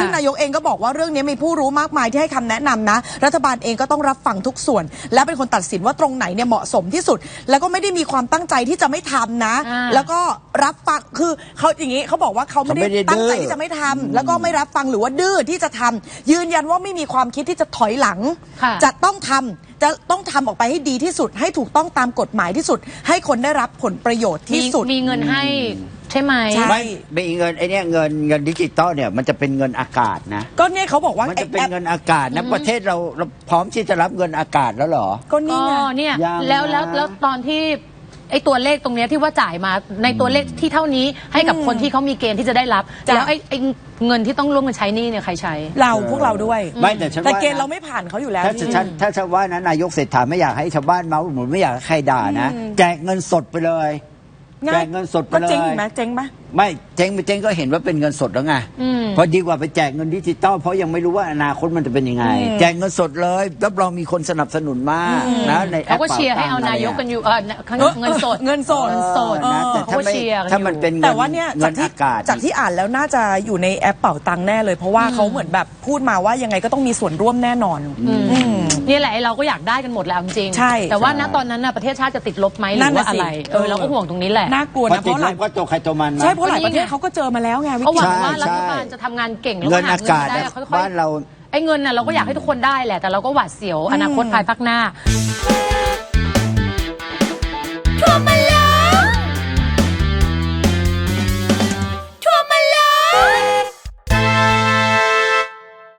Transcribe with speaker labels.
Speaker 1: ซึ่งนายกเองก็บอกว่าเรื่องนี้มีผู้รู้มากมายที่ให้คำแนะนำนะรัฐบาลเองก็ต้องรับฟังทุกส่วนและเป็นคนตัดสินว่าตรงไหนเนี่ยเหมาะสมที่สุดแล้วก็ไม่ได้มีความตั้งใจที่จะไม่ทำนะแล้วก็รับฟังคือเขาอย่างนี้เขาบอกว่าเขาไม่ได้ตั้งใจที่จะไม่ทำแล้วก็ไม่รับฟังหรือว่าดื้อที่จะทำยืนยันว่าไม่มีความคิดที่จะถอยหลังจะต้องทำออกไปให้ดีที่สุดให้ถูกต้องตามกฎหมายที่สุดให้คนได้รับผลประโยชน์ที่สุด
Speaker 2: มีเงินให้ใช่ไหม
Speaker 3: ไม่เงินไอ้นี่เงินดิจิตอลเนี่ยมันจะเป็นเงินอากาศนะ
Speaker 1: ก็เนี่ยเขาบอกว่า
Speaker 3: มันจะเป็นเงินอากาศนะประเทศเราพร้อมที่จะรับเงินอากาศแล้วเหรอ
Speaker 1: ก็นี่
Speaker 2: เนี่ยแล้วตอนที่ไอ้ตัวเลขตรงนี้ที่ว่าจ่ายมาในตัวเลขที่เท่านี้ให้กับคนที่เขามีเกณฑ์ที่จะได้รับแล้วไอ้เงินที่ต้องร่วมกันใช้นี่เนี่ยใครใช้
Speaker 1: พวกเราด้วย
Speaker 3: ไม่แต่
Speaker 1: เกณฑ์เราไม่ผ่านเขาอยู่แล้ว
Speaker 3: ถ้าชาวบ้านนะนายกเศรษฐาไม่อยากให้ชาวบ้านเมาหมุนไม่อยากให้ใครด่านะแจกเงินสดไปเลยแจกเงินสดไปเลย
Speaker 1: ก็เจ๊งไหมเจ๊งไหม
Speaker 3: ไม่เจ๊งก็เห็นว่าเป็นเงินสดแล้วไงพอดีกว่าไปแจกเงินดิจิตอลเพราะยังไม่รู้ว่าอนาคตมันจะเป็นยังไงแจกเงินสดเลยรับรองมีคนสนับสนุนมากนะใน
Speaker 2: เขาก็เชียร์ให้เอานายกกันอยู่เงินสด
Speaker 3: นะแต่ถ้ามันเป็น
Speaker 1: แต่ว่าเนี่ยจากที่อ่านแล้วน่าจะอยู่ในแอปเป๋าตังค์แน่เลยเพราะว่าเขาเหมือนแบบพูดมาว่ายังไงก็ต้องมีส่วนร่วมแน่นอน
Speaker 2: นี่แหละเราก็อยากได้กันหมดแล้วจริงแต่ว่าณตอนนั้นประเทศชาติจะติดลบไหมหรือว่าอะไรเราก็ห่วงตรงนี้แหละ
Speaker 1: น่ากลัวนะเพราะหลาย
Speaker 3: ก็ตัวใครตัวมัน
Speaker 1: ใช่เพราะหลายประเทศเขาก็เจอมาแล้วไง
Speaker 2: เขาหวังว่ารัฐบาลจะทำงานเก่งแล้ว
Speaker 3: เงินอากาศบ้านเรา
Speaker 2: ไอ้เงินน่ะเราก็อยากให้ทุกคนได้แหละแต่เราก็หวาดเสียวอนาคตภายภาคหน้า